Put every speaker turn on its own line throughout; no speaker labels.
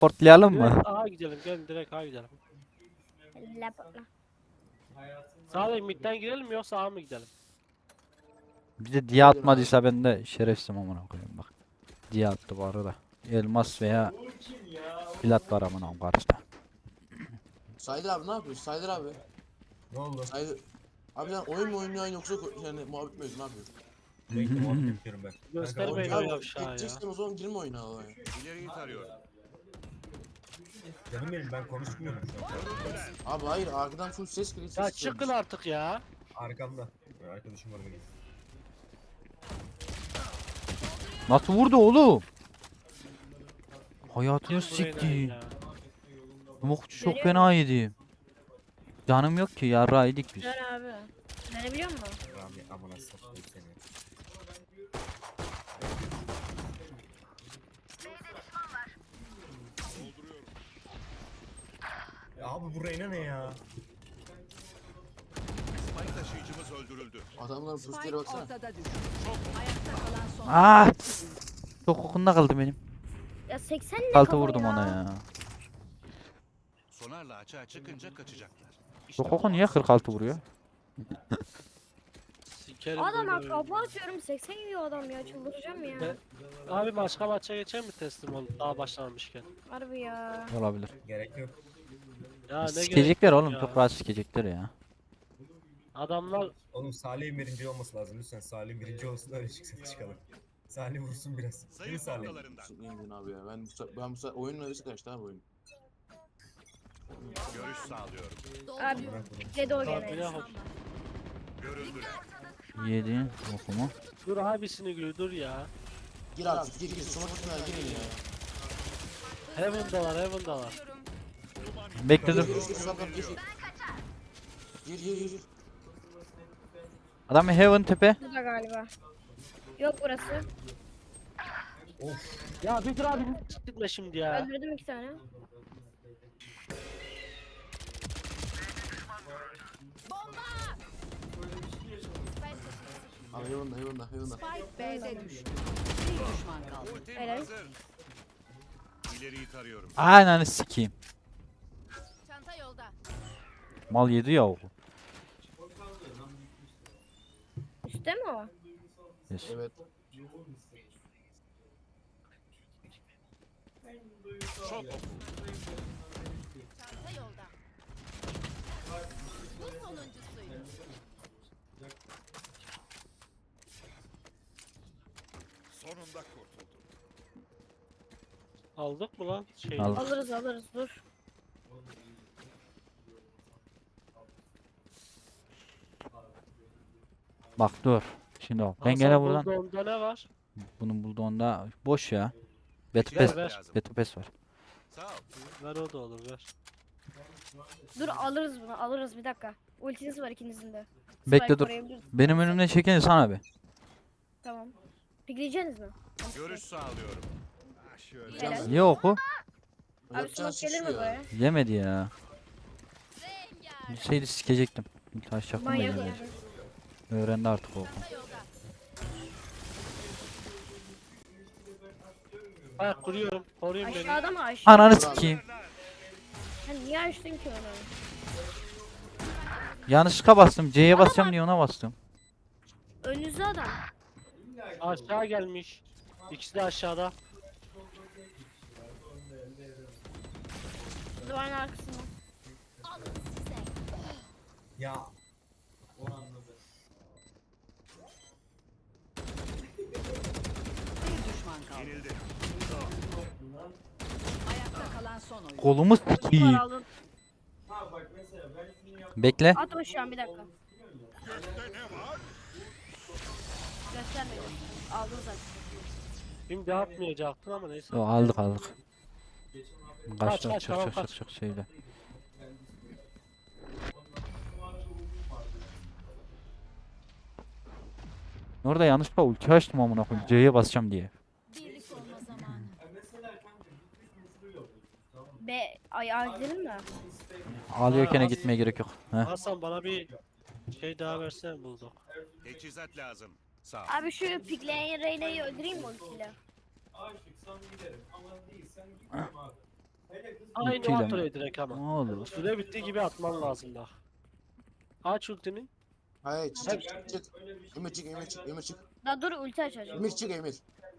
Portlayalım mı?
Direkt A gidelim. Gelin direkt A gidelim.
Lapla.
Sağda midden girelim mi yoksa A mı gidelim?
Bir de diye atmadıysa ben de şerefsizim amına koyayım bak. Diye attı bu arada. Elmas veya plat var amına koyayım karşıda.
Saydır abi ne yapıyorsun? Saydır abi.
Ne oldu?
Saydır. Abi sen oyun mu oynuyorsun yoksa yani muhabbet mi ediyorsun? Ne yapıyorsun?
Bekle muhabbet yapıyorum ben.
Göster
Kanka,
beni
Abi,
o yavşağı ya.
geçeceksen o zaman girme oyuna abi.
İleriyi tarıyorum.
Canım benim ben konuşmuyorum şu an.
Abi hayır arkadan full ses geliyor.
Ya
ses
çıkın
geliyor.
artık ya.
Arkamda. Arkadaşım var benim.
Nasıl vurdu oğlum? Hayatını
Buraya
sikti.
ya.
Mokçu çok fena yedi. Canım yok ki yarrağı yedik biz.
Dön abi. Dönebiliyor musun?
Rami amına satayım seni. Ya abi bu Reyna ne ya?
Spike taşıyıcımız öldürüldü.
Adamların pusulara
Spike
baksana.
ortada düştü. Ayakta kalan son.
Ah! Çok kokunda kaldı benim.
Ya 80 ne
Altı
kafa
vurdum
ya?
ona ya.
Sonarla açığa çıkınca kaçacaklar.
Bu koku niye 46 vuruyor?
Sikerim
Adama
böyle
kafa atıyorum 80 yiyor adam ya çıldıracağım ya.
Ne? Abi başka maça geçer mi teslim olup daha başlamamışken?
Harbi ya.
Olabilir.
Gerek yok.
Ya ne
Sikecekler
gerek
oğlum
ya.
çok rahat sikecekler ya.
Adamlar
Oğlum Salih'in birinci olması lazım lütfen. Salih'in birinci olsun öyle çıkalım. Salih vursun biraz. Değil mi
Sayı
Salih?
noktalarından.
Sıkmayın abi ya. Ben bu sefer oyunun arası kaçtı abi oyun.
Görüş sağlıyorum.
Abi
Bırak bunu.
dedi o
Abi
gene.
ne hop.
Görüldüler.
Yedi okumu.
Dur abisini gül dur ya.
Gir artık gir. Sona kısmına girin ya.
Heaven'dalar.
Bekle dur.
Gir gir. Gir.
Adam Heaven tepe.
Burada galiba. Yok burası.
Of.
Ya bir dur abi gitme şimdi ya.
Öldürdüm 2 tane.
Abi hayvanda.
Spike B'de düştü. Bir düşman kaldı.
Ultim
Helal.
hazır. İleriyi tarıyorum.
Aynen sikeyim.
Çanta yolda.
Mal yedi ya o.
Üstte mi o?
Yes.
Evet.
Çok oku.
Çanta yolda. Bu sonuncusuydu.
Sonunda kurtuldum.
Aldık mı lan? Şey.
Aldık.
Alırız dur.
Bak dur. Şimdi o. Ben
Hasan
gene buradan.
bulduğunda ne var?
Bunun bulduğunda boş ya. Battle
Ver,
Pass.
ver.
Battle Pass var.
Sağ ol.
Ver o da olur ver.
Dur alırız bunu alırız bir dakika. Ultiniz var ikinizin de.
Bekle
Spike
dur.
koruyabiliriz.
Benim önümden çeken sana be.
Tamam. Pikleyeceksiniz mi?
Görüş sağlıyorum. Ah, şöyle.
Helal.
Niye oku?
Abi
Yapacağın
smoke gelir mi
şişiyor.
buraya?
Yemedi ya. Bir şeydi sikecektim. Taş çaktım da
Manyak
yemedi.
ya.
Öğrendi artık o.
Ha kuruyorum. Koruyun beni.
Aşağıda mı aşağı?
Ananı sikeyim.
Sen niye açtın ki onu?
Yanlışlıkla bastım. C'ye basacağım diye ona bastım.
Önünüzde adam.
Aşağı gelmiş. İkisi de aşağıda.
Duvarın arkasında.
Ya
Bir düşman kaldı.
Yenildi.
Ayakta kalan son oyun.
Kolumu
Duvar
sikeyim.
aldın.
Bekle.
At o şu an bir dakika. Göstermedim. Aldın zaten.
Şimdi atmayacaktın ama neyse.
Yo, aldık. Kaçtı.
Kaç, tamam, kaç.
Çık şeyle. Orada yanlışlıkla ulti açtım amına koyayım. C'ye basacağım diye.
Birlik olma zamanı.
Ay gidelim mi?
Ağlıyorken gitmeye gerek yok. Heh.
Hasan bana bir şey daha versene bulduk.
Teçhizat lazım. Sağ ol.
Abi şu pikleyen Reyna'yı öldüreyim mi ultiyle?
Aynı
Ultiyle
at
mi?
oraya direkt ama.
Ne olur.
Süre bittiği gibi atman lazım bak. Aç ultini.
Hayır çık çık. Emir çık Emir çık Emir çık.
Daha dur ulti açacağım.
Emir çık Emir.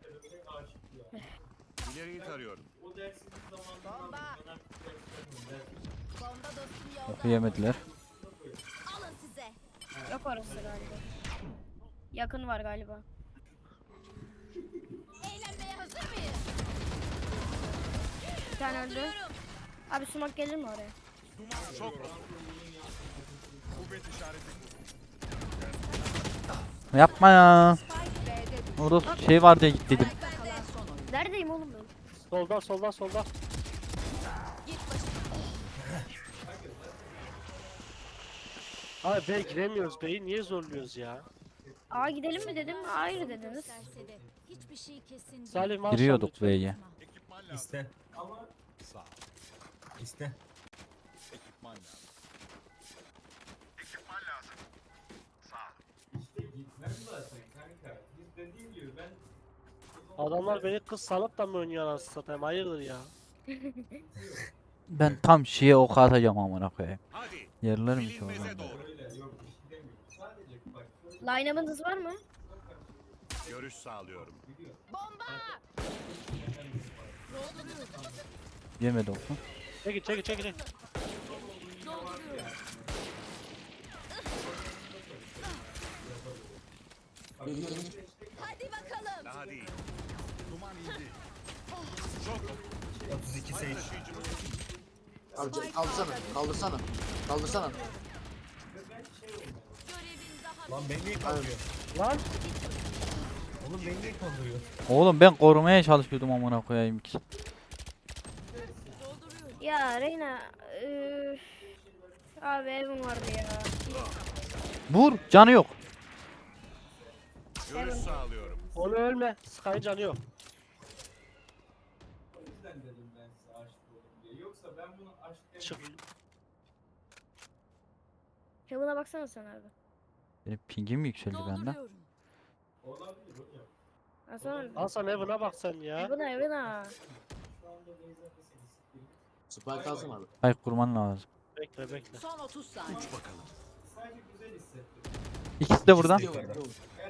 İleriyi tarıyorum.
Bomba. Bomba dostum yolda.
Oku yemediler.
Alın size.
Yok orası galiba. Yakın var galiba.
Eğlenmeye hazır mıyız?
Bir tane öldü. Abi sumak gelir mi oraya?
Duman çok oku. Kuvvet işareti.
Yapma ya.
Spike B'de düştü.
Orada şey var diye git dedim.
Ayakta kalan son oyuncu.
Neredeyim oğlum ben?
Solda solda solda.
Git başına.
Abi be giremiyoruz beyi niye zorluyoruz ya?
Aa gidelim mi dedim. Hayır dediniz.
Serseri. Hiçbir şey kesin değil.
Salim maşallah
Giriyorduk
lütfen.
B'ye.
Ekipman lazım.
İste.
Sağ ol.
İste.
Ekipman lazım.
Adamlar beni kız sanıp da mı oynuyor anasını satayım hayırdır ya.
Ben tam şeye ok atacağım amına koyayım.
Hadi.
Yerler mi ki
Bilinmeze
oradan?
doğru.
Line-up'ınız var mı?
Görüş sağlıyorum.
Bomba.
Yemedi oku.
Çekil çekil çekil. çekil.
Emir Emir.
Hadi bakalım.
Daha değil. Duman indi. Çok oku.
32 Sage.
Taşıyıcımız
Abi kaldırsana kaldırsana. Kaldırsana.
Görevin daha
Lan beni niye kandırıyor?
Lan
Oğlum beni niye kandırıyor?
Oğlum ben korumaya çalışıyordum amına koyayım ki.
Ya Reyna. Abi evim vardı ya.
Vur canı yok.
görüş sağlıyorum.
onu ölme. Sky'ın canı yok. Çık.
Heaven'a baksana sen abi.
Benim pingim mi yükseldi bende?
Hasan
Hasan evine bak sen ya.
Heaven'a.
Spike alsın abi.
Ay kurman lazım.
Bekle bekle.
son 30 saniye.
Bakalım.
İkisi de buradan.
İstiyor, yok.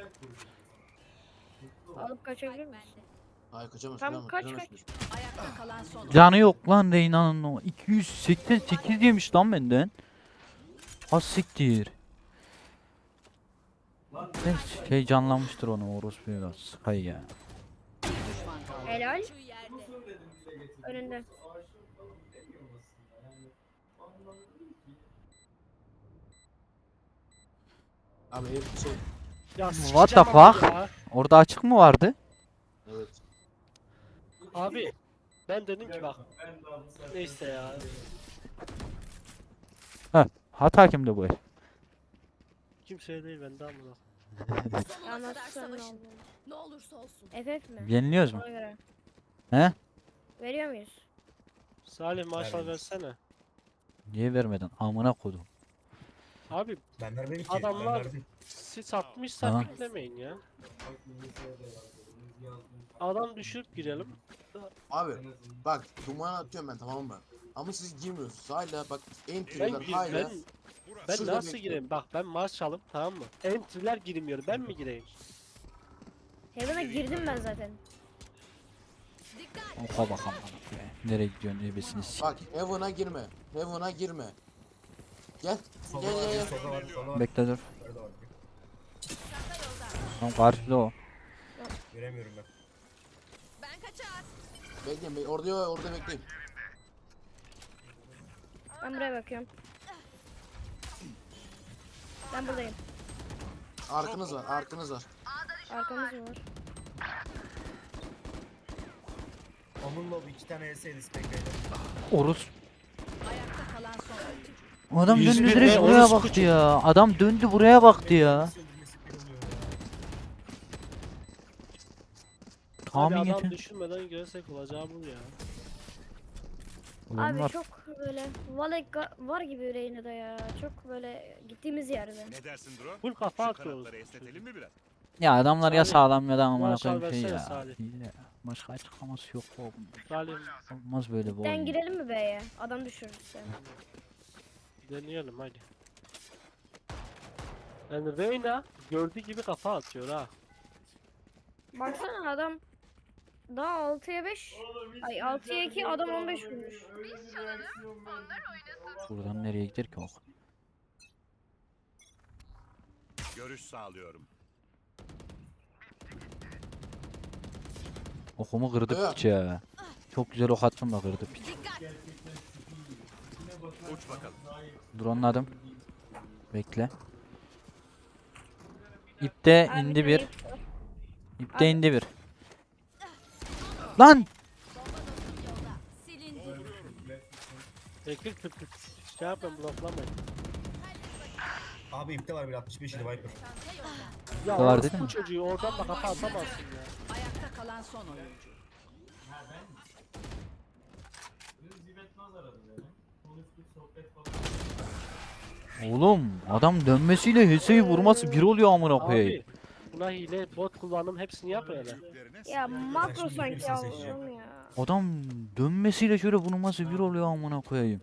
Alıp kaçabilir misin?
Bende.
Hayır kaçamaz.
Tamam,
kaçamaz,
kaç,
kaçamaz.
Ayakta kalan son oyuncu.
Canı yok lan Reyna'nın o. 288 yemiş lan benden. Az siktir. Ne şey canlanmıştır onu orospu biraz. Sky ya.
Düşman kaldı.
Helal.
Şu yerde.
Önünde.
Abi ev şey.
Ya
What the
sikeceğim abi
fuck?
ya.
Orada açık mı vardı?
Evet.
Abi ben dedim ki bak. Neyse ya.
Hata kimde bu el?
Kimseye değil bende amına.
Sonuna
Anlat
kadar
sen ne
savaşın.
oldu?
Ne olursa olsun.
FF mi?
Yeniliyoruz mu?
Ona göre.
He?
Veriyor muyuz?
Salih maşallah
Vermeyiz.
versene.
Niye vermedin? Amına kodum.
Abi
Ben vermedim ki.
Adamlar-
Ben verdim.
siz atmışsa
Tamam.
beklemeyin ya. Adam düşürüp girelim.
Abi bak duman atıyorum ben tamam mı? Ama siz girmiyorsunuz. Hala bak
Ben,
entry'den
ben,
hala.
ben
Şurada
nasıl
bekle.
gireyim? Bak ben Marshall'ım tamam mı? Entry'ler girmiyor. Ben mi gireyim?
Heaven'a girdim ben zaten.
Dikkat.
Oka bak amına koyayım. Nereye gidiyorsun ebesini s**.
Bak Heaven'a girme. Heaven'a girme. Gel.
Solda
Gel
var,
gel gel.
solda var, solda var.
Bekle dur.
Yukarıda var.
Tamam karşıda o.
Göremiyorum ben.
Ben kaçar.
Bekleyin orada bekleyin.
Ben buraya bakıyorum. Ben buradayım.
Arkanız var arkanız var.
Arkamız mı var?
Onun lob 2 tane ES'ydi Spectre'yle.
Orus.
Ayakta kalan son oyuncu.
Adam
101
döndü direkt
ne?
buraya
Orospu
baktı
çocuğu.
ya. Adam döndü buraya baktı ya.
Nasıl öldürmesi bir oluyor ya?
Hadi
Tahmin
adam
yetin.
düşünmeden girsek olacağı bu ya.
Ulan
Abi
var.
çok böyle var gibi Reyna'da ya. Çok böyle gittiğimiz yerde.
Ne dersin Dro?
Full kafa
Şu
atıyoruz.
kanatları esnetelim mi biraz?
Ya adamlar ya
Salih,
sağlam ya da amına
maşallah
koyayım şey
versene
ya.
Salih.
Hile. Başka açıklaması yok bu.
Salim
Olmaz böyle bu
Sen
oyun.
girelim mi B'ye? Adam düşürürüz seni.
deneyelim hadi. Yani Reyna gördüğü gibi kafa atıyor ha.
Baksana adam daha 6'ya 5. Ay 6'ya 2 adam 15 vurmuş.
Buradan nereye gider ki ok?
Görüş sağlıyorum.
Okumu kırdı
Evet.
piç ya. Çok güzel ok attım da kırdı piç.
Uç bakalım.
Drone'ladım. Bekle. İpte
Abi
indi
tane
bir.
var.
İpte indi bir. Lan!
Silindi.
Tekil tıpkı şey yapın bloklamayın.
Abi ipte var bir 65 idi Viper.
Ya
Var
orası
dedim
bu
mi?
çocuğu oradan da kafa atamazsın ya.
Ayakta kalan son oyuncu.
Oğlum adam dönmesiyle Hüseyin vurması bir oluyor amına koyayım.
Abi buna hile bot kullanım hepsini yap öyle.
Büyüklerine
Ya makro
şimdi
sanki
bilirsin seçeceğim.
Allah'ım ya.
Adam dönmesiyle şöyle vurması bir oluyor amına koyayım.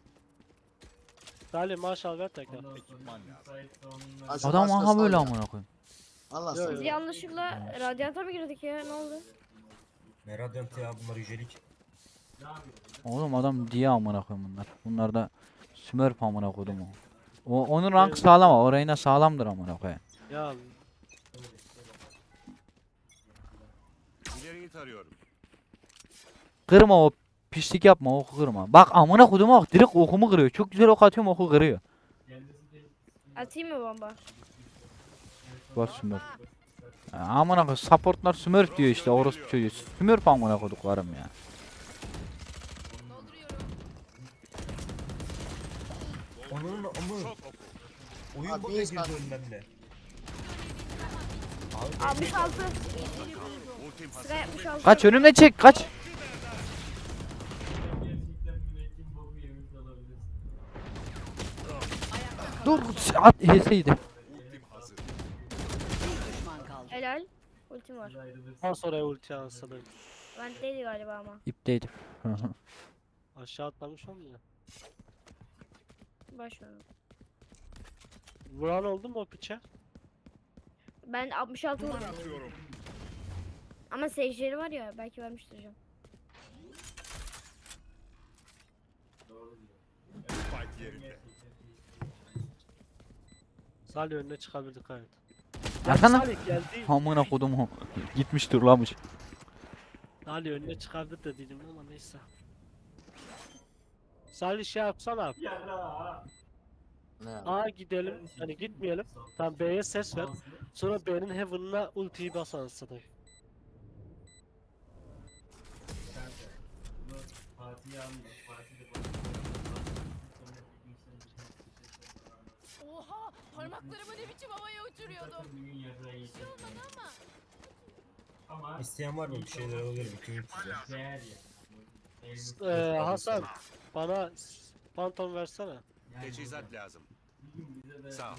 Salim maşallah ver tekrar.
ekipman lazım.
Aşağı
Adam
başka
aha böyle
sal ya.
amına koyayım.
Allah
Yo,
sana.
Biz yanlışlıkla radyanta mı girdik ya? Ne oldu?
Ne Radiant ya bunlar yücelik.
Oğlum adam diye amına koyayım bunlar. Bunlar da Smurf amına koydum o. Onun rank sağlam ama orayına sağlamdır amına koyayım.
Ya
İleriyi tarıyorum.
Kırma o pislik yapma oku kırma. Bak amına koydum ok direkt okumu kırıyor. Çok güzel ok atıyorum oku kırıyor.
Atayım mı bomba?
Bak Smurf. Ya amına koy supportlar Smurf diyor işte orospu çocuğu. Smurf amına koyduklarım ya.
Onun ama
Çok oku.
oyun
Abi,
bug'a
biz
girdi
ben-
önünden de.
66.
Ultim hazır.
Sıra 66.
Kaç önüme çek kaç. Dur at heseydi.
Ultim hazır.
Bir düşman kaldı.
Helal. Ultim var.
ondan sonra ulti ansana.
Ben değildi galiba ama.
İpteydi.
Aşağı atlamış olmuyor.
Baş ver.
Vuran oldu mu o piçe?
Ben 66
Duman
vurdum.
atıyorum.
Ama seyircileri var ya belki vermiştir canım.
Spike yerinde.
Salih önüne çıkabildik evet.
Arkana.
Salih geldi.
Amına koydum o. Gitmiş turlamış.
Salih önüne çıkardı da dedim ama neyse. Salih şey yapsana.
Ne ya?
A gidelim. Hani gitmeyelim. Tam B'ye ses ver. Sonra B'nin Heaven'ına ultiyi bas anasını.
Oha! Parmaklarımı ne biçim havaya uçuruyordum. Bir şey olmadı ama.
İsteyen var mı bir şeyler alabilirim 2300 ya.
Hasan bana Phantom versene.
Teçhizat lazım. Sağ ol.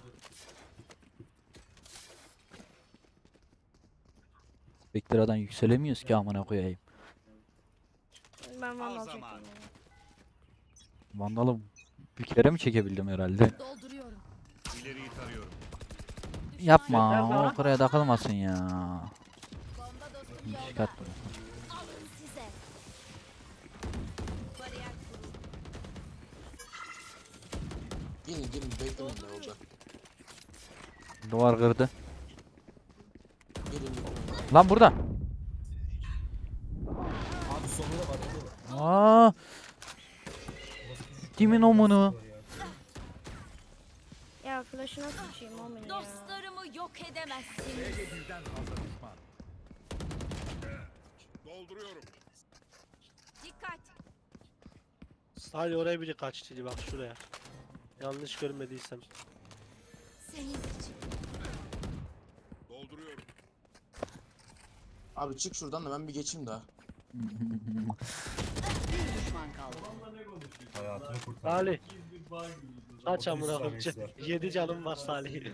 Spektra'dan yükselemiyoruz ki amına koyayım.
Ben vandal
Al
çektim.
zaman.
yani.
Vandalı bir kere mi çekebildim herhalde?
Dolduruyorum.
İleriyi tarıyorum.
Yapma
Yeter lan.
o oraya takılmasın ya.
Bomba dostum yolda.
Çıkart.
Alın size. Bariyer kuruldu.
Gelin beklemeyin de yolda.
Duvar kırdı.
Gelin beklemeyin.
Lan burada.
Abi sonunda var orada da.
Aa, Kimin omunu?
Ya flash'ına sıçayım o beni ya.
Dostlarımı yok edemezsiniz.
Birden fazla düşman. Dolduruyorum.
Dikkat.
Salih oraya biri kaçtı bak şuraya. Yanlış görmediysem.
Senin için.
Dolduruyorum.
Abi çık şuradan da ben bir geçeyim daha.
Bir düşman kaldı.
Hayatını kurtar.
Salih Kaç
33
amına koyayım.
saniyesi var.
7 canım var Salih.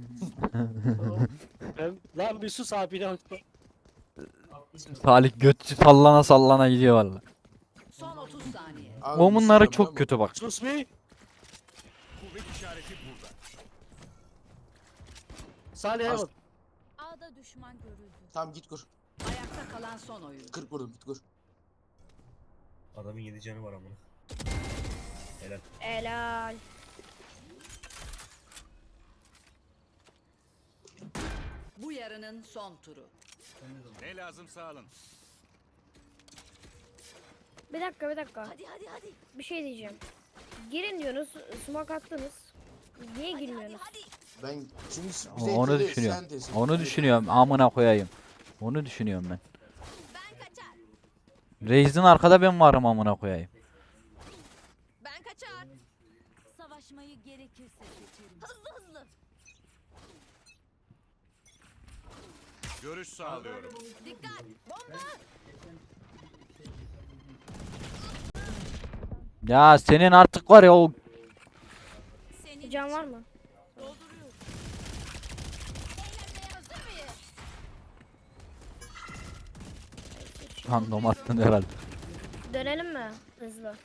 Lan bir sus abine bak.
Salih götçü sallana sallana gidiyor valla.
Son 30 saniye.
Abi,
Omunları
bir şey
çok
yapıyor
kötü bak.
Sus be.
Kuvvet işareti burada.
Salih
Az-
Heaven.
A'da düşman görüldü.
mu? Tamam git kur.
Ayakta kalan son oyuncu.
40 vurdum git kur.
Adamın 7 canı var amına. Helal.
Helal.
Bu yarının son turu.
Ne lazımsa alın.
Bir dakika bir dakika.
Hadi hadi hadi.
Bir şey diyeceğim. Girin diyorsunuz. Smoke attınız. Niye girmiyorsunuz?
Ben çünkü bize
Onu
itildi,
düşünüyorum.
sen tesin.
Onu düşünüyorum. Amına koyayım. Onu düşünüyorum ben.
Ben kaçar.
Reis'in arkada ben varım amına koyayım.
Ben kaçar. Savaşmayı gerekirse seçerim. Hızlı hızlı.
Görüş sağlıyorum.
Dikkat. Bomba.
Ya senin artık var ya o
Senin
Can var mı?
dolduruyorum. Eğlenmeye hazır mıyız?
random attın herhalde.
Dönelim mi? Hızlı.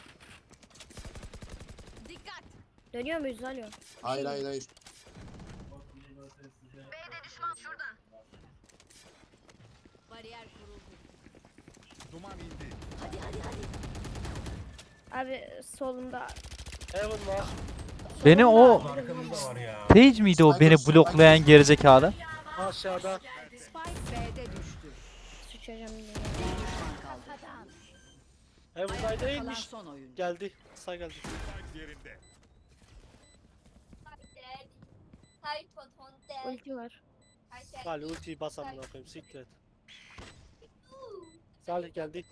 Dikkat.
Dönüyor muyuz? Alo.
Hayır hayır hayır.
Bariyer kuruldu.
Duman indi.
Hadi hadi hadi.
Abi solumda.
Heaven var.
Beni o
Arkamızda var ya.
Sage miydi o beni bloklayan gerizekalı?
Aşağıda.
Spike B'de düştü.
Sıçacağım yine.
Bir düşman kaldı.
Heaven'da
Ayakta kalan
değilmiş.
son oyuncu.
Geldi. Sağ geldi.
Spike yerinde.
Ulti var.
Salih ultiyi bas amına koyayım. Siktir et. Salih geldi.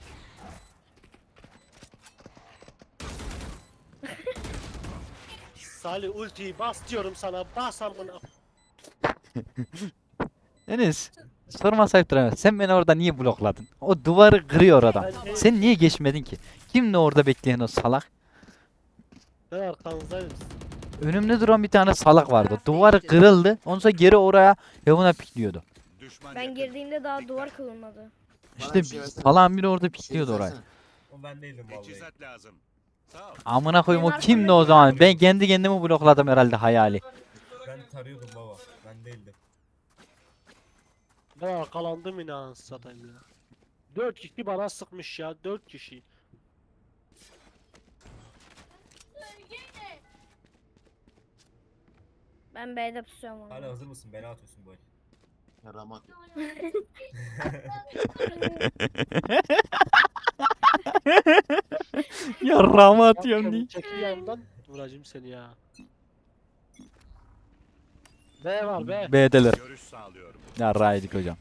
Salih ultiyi bas diyorum sana. Bas amına.
Enes sorma sayıp duramaz. Sen beni orada niye blokladın? O duvarı kırıyor adam. Sen niye geçmedin ki? Kimdi orada bekleyen o salak?
Ben arkanızdayım.
Önümde duran bir tane salak vardı. Duvarı kırıldı. Ondan sonra geri oraya Heaven'a pikliyordu.
Düşman
Ben
yakın.
girdiğimde daha duvar kırılmadı.
Bana
İşte
bir şey versene.
salağın biri orada
Bir şey
pikliyordu orayı.
versene.
O ben değildim vallahi.
Teçhizat lazım. Sağ ol.
Amına koyayım o
Benim
kimdi o zaman? Ben kendi kendimi blokladım herhalde hayali.
Ben tarıyordum baba. Ben değildim.
Ben arkalandım yine anasını satayım ya. 4 kişi bana sıkmış ya. 4 kişi.
Ben B'de pusuyorum onu.
Hala hazır mısın? Bela atıyorsun bu el.
Ya Ramat yok.
Ya rama
Bak
atıyorum
sen
diye.
çekil yandan vuracağım seni ya. B var B.
B'deler.
Görüş sağlıyorum.
Ya raydik hocam.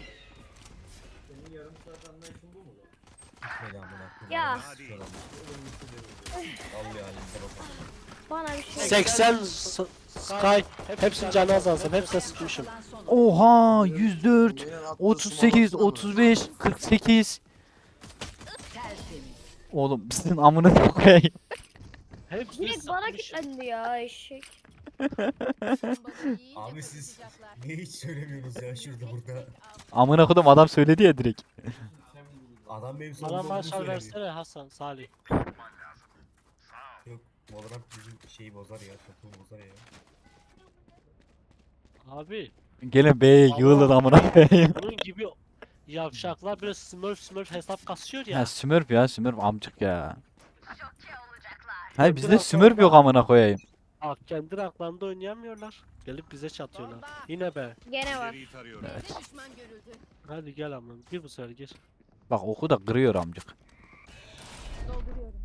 Bela amına koyayım.
Ya.
Hadi.
Vallahi halimden o kadar.
Bana bir şey.
80 Sky. Hepsini canı azalsın. Hepsine sıkmışım.
Kalan son oyuncu.
Oha 104,
Benim attığı
38,
smoke'u
35, 48.
Tertemiz.
Oğlum sizin amına koyayım.
Hepsini
Direkt bana
sıkmışım.
kilitlendi ya eşek.
Bombayı iyice
Abi siz
patlatacaklar.
niye hiç söylemiyorsunuz ya şurada burada?
Amına koydum adam söyledi ya direkt.
Adam benim
Bana
sonunda olduğunu
marşal
söyledi.
versene Hasan Salih.
Yok Valorant bizim şeyi bozar ya. Takımı bozar ya.
Abi
Gene B'ye yığılır amına koyayım.
bunun gibi yavşaklar böyle smurf hesap kasıyor ya.
Ya Smurf ya Smurf amcık ya. Hayır bizde Smurf yok amına koyayım.
Bak kendi ranklarında oynayamıyorlar. Gelip bize çatıyorlar.
Bomba.
Yine be.
Gene var.
İleriyi tarıyorum.
B'de düşman görüldü.
Hadi gel ama gir bu sefer gir.
Bak oku da kırıyor amcık.
Dolduruyorum.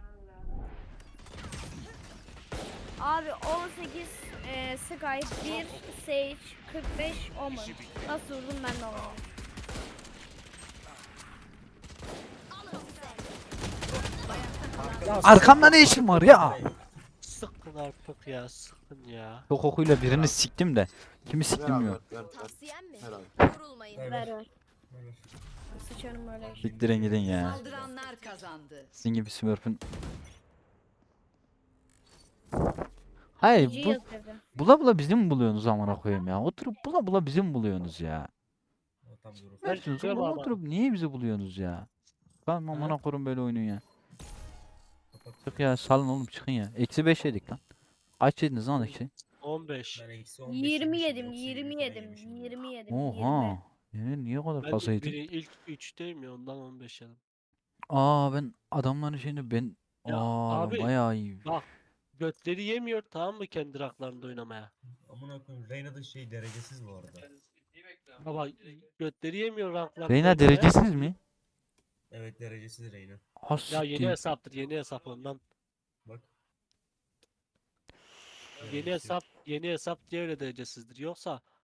Abi 18 Sky 1 Sage 45 Omen. Nasıl vurdum ben de onu.
Alın size.
Arkamda ne işin var ya?
Sıkın artık ya sıkın ya.
Çok okuyla birini siktim de. Kimi
Ver
siktim
abi,
yok.
ver.
Tavsiyem mi?
Ver abi.
Vurulmayın.
Ver,
Ver
ver.
ver.
Ver.
Sıçarım öyle.
Siktirin gidin ya.
Saldıranlar kazandı.
Sizin gibi Smurf'ün Hayır
GG
bu
yazıyordu.
bula bula bizi mi buluyorsunuz amına koyayım ya? Oturup bula bula bizi mi buluyorsunuz ya?
O tam bir orospu.
Ben
Versiniz
çıkıyorum
oğlum
abi.
oturup niye bizi buluyorsunuz ya? Ben amına koyayım böyle oyunu ya.
Kapat.
Çık ya salın oğlum çıkın ya. -5 yedik lan. Kaç yediniz lan eksi?
15.
Ben eksi 15
20
yemişim,
yedim,
yoksa
20
falan
yedim,
yemişim.
20 yedim, 20.
Oha. Niye o kadar
Ben
fazla yedin?
biri ilk 3'teyim ya ondan 15 yedim.
Aa ben adamların şeyinde ben
Ya
ben
abi,
bayağı iyi.
Bak götleri yemiyor tamam mı kendi raklarında oynamaya.
Amına koyayım Reyna da şey derecesiz bu arada.
Baba götleri yemiyor ranklarında
Reyna
oynamaya.
derecesiz mi?
Evet derecesiz Reyna.
Ha
Ya yeni
siktir.
hesaptır yeni hesap ondan.
Bak.
Yeni hesap diye öyle derecesizdir. Yoksa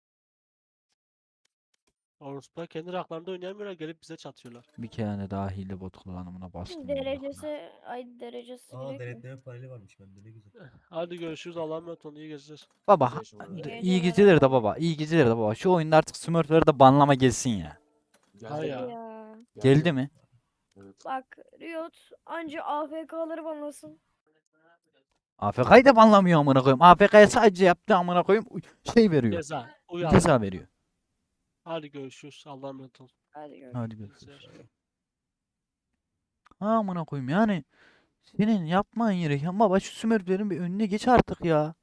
Orospu'ya kendi raklarında oynayamıyorlar gelip bize çatıyorlar.
Bir kere daha hile bot kullanımına bastım.
Derecesi
Aa
gerek mi?
denetleme paneli varmış bende ne güzel.
Hadi görüşürüz Allah'a emanet olun iyi geceler.
Baba
Yaşamadı.
iyi geceler de baba. İyi geceler de baba. Şu oyunda artık Smurf'ları da banlama gelsin ya.
Ha ya.
Ya.
Geldi mi?
Evet.
Bak Riot anca AFK'ları banlasın.
AFK'yı da banlamıyor amına koyayım. AFK'ya sadece yaptı amına koyayım. Şey veriyor.
Ceza. Uyan.
Ceza veriyor.
Hadi görüşürüz Allah'a emanet olun.
Hadi görüşürüz.
Hadi görüşürüz. Ha amına koyayım yani. Senin yapman gereken baba şu Smurf'lerin bir önüne geç artık ya.